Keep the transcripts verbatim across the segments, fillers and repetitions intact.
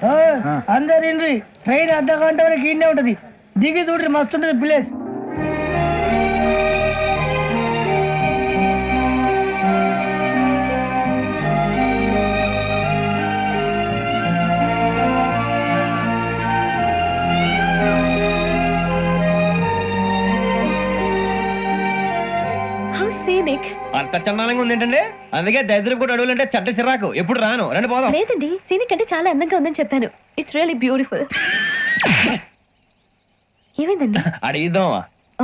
అందరు ఇండ్రి ట్రైన్ అర్ధ గంట వరకు ఇన్నే ఉంటది దిగి చూడ్రి మస్తు ఉంటది ప్లేస్. అంత చందాలంగా ఉంది ఏంటండి, అందుకే దరిద్రం కూడా అడవులంటే చెడ్డ సిరాకు, ఎప్పుడు రాను. రండి పోదాం. లేదండి, సీనిక్ అంటే చాలా అందంగా ఉందని చెప్పాను. It's really beautiful. ఏమైందండి? అడిగిద్దామా?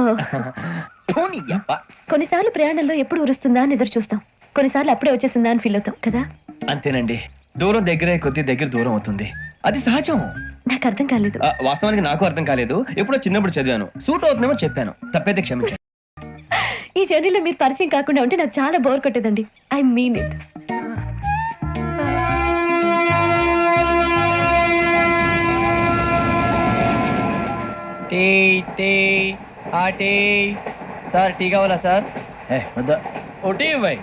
కొన్నిసార్లు ప్రయాణంలో ఎప్పుడు ఉరుస్తుందా అని ఎదురు చూస్తాం, కొన్నిసార్లు అప్పుడే వచ్చేసిందా అని ఫీల్ అవుతాం కదా. అంతేనండి, దూరం దగ్గరే కొద్ది దగ్గర దూరం అవుతుంది, అది సహజం. నాకు అర్థం కాలేదు. వాస్తవానికి నాకు అర్థం కాలేదు, ఎప్పుడో చిన్నప్పుడు చదివాను, సూట్ అవుతుందేమో చెప్పాను, తప్పైతే క్షమించండి. ఈ జర్నీలో మీరు పరిచయం కాకుండా ఉంటే నాకు చాలా బోర్ కొట్టేదండి. I mean it. Tea tea ఆ టీ సార్, టీ కావాలా సార్? ఓ టీ ఇవ్వాయి.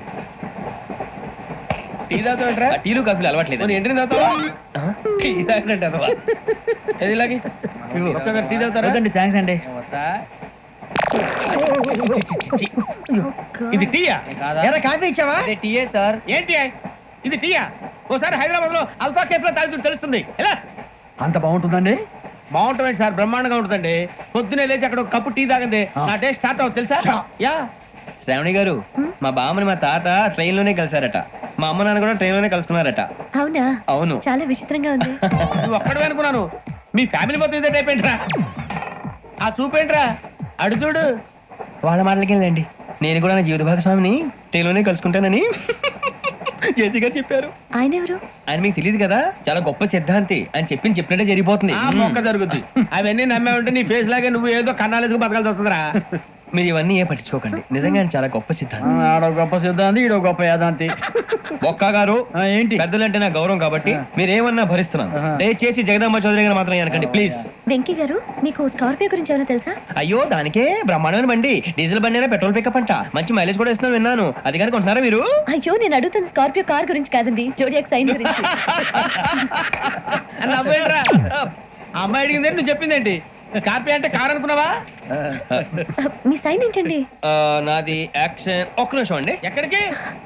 టీ తాగుతాంట్రా? టీలు కాఫీలు అలవాట్లేదు. ఏంటి తాగుతావా? టీ తాగినట్టు అదవా. ఏది ఇలాగే ఒక్కొక్కరు టీ తాగుతారా? థ్యాంక్స్ అండి. ఇది టీయా? కాఫీ ఇచ్చావా? టీయే సార్. ఏంటి ఇది టీయా? ఓసారి హైదరాబాద్ లో అల్ఫా కేఫ్ లో తాగుతూ తెలుస్తుంది. ఎలా అంత బాగుంటుందండి? బాగుంటుంది సార్, బ్రహ్మాండంగా ఉంటుందండి. పొద్దునే లేచి అక్కడ ఒక కప్పు టీ తాగింది నా డే స్టార్ట్ అవుతుంది తెలుసా? యా శ్రావణి గారు, మా బామ్మని మా తాత ట్రైన్ లోనే కలిసారట, మా అమ్మ నాన్న కూడా ట్రైన్ లోనే కలుస్తున్నారట. అవునా? అవును. చాలా విచిత్రంగా ఉంది. నువ్వు ఒక్కడే అనుకున్నాను, మీ ఫ్యామిలీ మొత్తం ఇదే టైప్ ఏంట్రా? ఆ చూపేంట్రా, అడు చూడు. వాళ్ళ మాటలకి వెళ్ళండి, నేను కూడా నా జీవిత భాగస్వామిని ట్రైన్ లోనే కలుసుకుంటానని జేసీ గారు చెప్పారు. ఆయన ఎవరు? ఆయన మీకు తెలియదు కదా, చాలా గొప్ప సిద్ధాంతి అని చెప్పి చెప్పినట్టే జరిగిపోతుంది. మొక్క జరుగుద్ది. అవన్నీ నమ్మే ఉంటే నీ ఫేస్ లాగే నువ్వు ఏదో కన్నాలేసుకు బతకాల్సి వస్తుందిరా. మీరు ఇవన్నీ ఏ పట్టించుకోకండి, నిజంగా ఆయన చాలా గొప్ప సిద్ధాంతి. ఆడో గొప్ప సిద్ధాంతి, ఈడో గొప్ప యాదాంతి. ఒక్క గారు ఏంటి? పెద్దలంటే నా గౌరవం కాబట్టి మీరేమన్నా భరిస్తున్నాను, దయచేసి జగదాంబ చౌదరి గారు మాత్రం అనకండి ప్లీజ్. వెంకీ గారు, మీకు స్కార్పియో గురించి ఏమైనా తెలుసా? అయ్యో దానికే బ్రహ్మాండమైన బండి, డీజిల్ బండి అయినా పెట్రోల్ పికప్ అంట, మంచి మైలేజ్ కూడా ఇస్తున్నాను విన్నాను. అది కనుక ఉంటున్నారా మీరు? అయ్యో నేను అడుగుతుంది స్కార్పియో కార్ గురించి కాదండి, జోడియాక్ సైన్ గురించి. అమ్మాయి అడిగింది నువ్వు చెప్పిందేంటి? స్కార్పియో అంటే కార్ అనుకున్నావా? మీ సైన్ ఏంటండి? నాది యాక్షన్. ఒక్క నిమిషం అండి. ఎక్కడికి?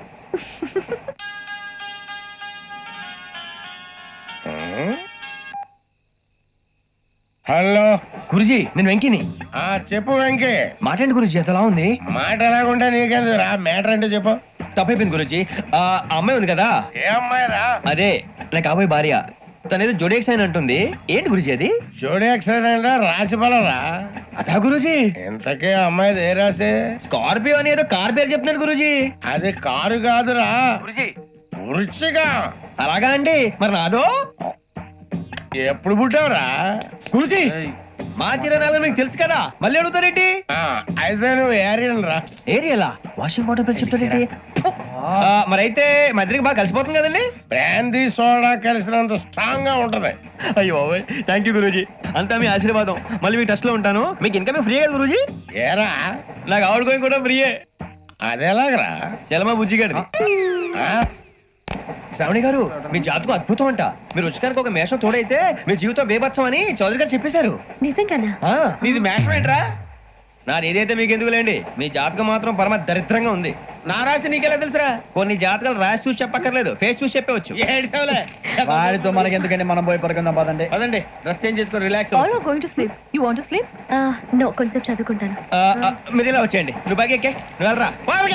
హలో గురుజీ, నేను వెంకిని. ఆ చెప్పు వెంకీ. మాట్లాడండి గురుజీ, ఎంతలా ఉంది? మాట ఎలాగుంటా నీకెందుకు రా, మ్యాటర్ అంటే చెప్పు. తప్పైపోయింది గురుజీ, ఆ అమ్మాయి ఉంది కదా, ఏ అమ్మాయి రా? అదే నా కాబోయే భార్య, తనేదో జోడియాక్ సైన్ అంటుంది. ఏంటి గురుజీ అది? జోడి యాక్సిడెంట్ రాసి బలరా? అదా గురుజీ. ఇంతకీ అమ్మాయి ఏ రాసి? స్కార్పియో అని ఏదో కార్ పేరు చెప్తున్నాడు గురుజీ. అది కారు కాదురా, పురుచిగా. అలాగా అండి, మరి నాదో? ఎప్పుడు పుట్టావురా? గురుజీ మా చిరనాలు మీకు తెలుసు కదా, మళ్ళీ అడుగుతారేంటి? ఆ, అయితే నువ్వు ఏరియన్ రా. ఏరియలా? వాషింగ్ వాటర్ బిల్ చెప్తారేంటి? మరి అయితే మా ఇద్దరికి బాగా కలిసిపోతుంది కదండి. బ్రాందీ సోడా కలిసినంత స్ట్రాంగ్ గా ఉంటది. అయ్యో థ్యాంక్ యూ గురూజీ, అంతా మీ ఆశీర్వాదం. మళ్ళీ మీ టచ్ లో ఉంటాను. మీకు ఇంకా ఫ్రీ కదా గురూజీ? ఏరా, నాకు ఆవిడ గోయింగ్ కూడా ఫ్రీయే. అదేలాగరా? చలమా బుజ్జి గారిది. శ్రావణి గారు, మీ జాతకు అద్భుతం అంట. మీరు రుచికానికి ఒక మేషం తోడైతే మీ జీవితం బేబత్సం అని చౌదరి గారు చెప్పేశారు. నిజంగానా? నీది మేషం ఏంట్రా? నాది ఏదైతే మీకు ఎందుకు లేండి, మీ జాతకం మాత్రం పరమ దరిద్రంగా ఉంది. నా రాసి నీకెలా తెలుసురా? కొన్ని జాతకాలు రాసి చూసి చెప్పక్కర్లేదు, ఫేస్ చూసి చెప్పవచ్చు. వాడితో మనకి ఎందుకంటే, మనం పోయి పడుకుందాం పదండి. పదండి, డ్రెస్ చేంజ్ చేసుకొని relax. All are going to sleep. You want to sleep? Uh, no, కొంచెం చదువుకుంటాను. మీరు ఇలా వచ్చేయండి. నువ్వు బాగా ఎక్కే, నువ్వు వెళ్ళరా.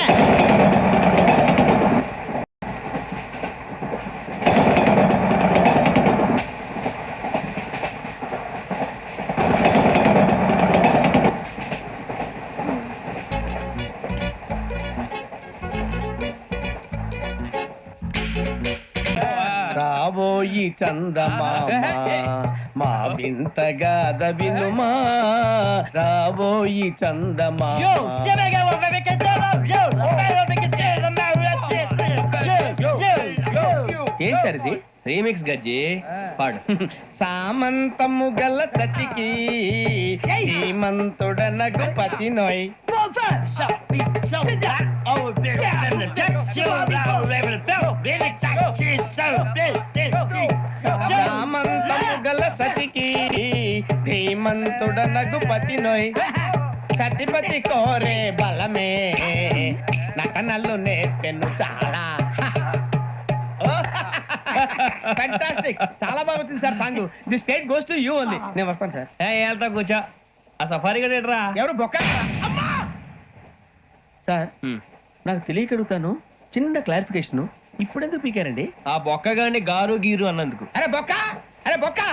రాబోయి చందమామ మా వింతగా దవినుమా, రాబోయి చందమామ. ఏం సార్ ఇది? రీమిక్స్ గజ్జి పాడు. సామంతము గల సతికి శ్రీమంతుడనగు పతి నోయ్. ధీమంతుడనగు పతి నోయ్ సతిపతి కోరే బలమే నటనలు నేర్పెను చాలా ఫ్యాంటాస్టిక్ చాలా బాగా వచ్చింది sir song the state goes to you only నేను వస్తాను సార్ ఏ వెళ్తా కూర్చో ఆ సఫారీ గడేట్రా ఎవరు బొక్క అమ్మా! సార్ నాకు తెలియక అడుగుతాను చిన్న క్లారిఫికేషన్ ఇప్పుడెందుకు పీకారండి ఆ బొక్క గాని గారు గీరు అన్నందుకు అరే బొక్క అరే బొక్క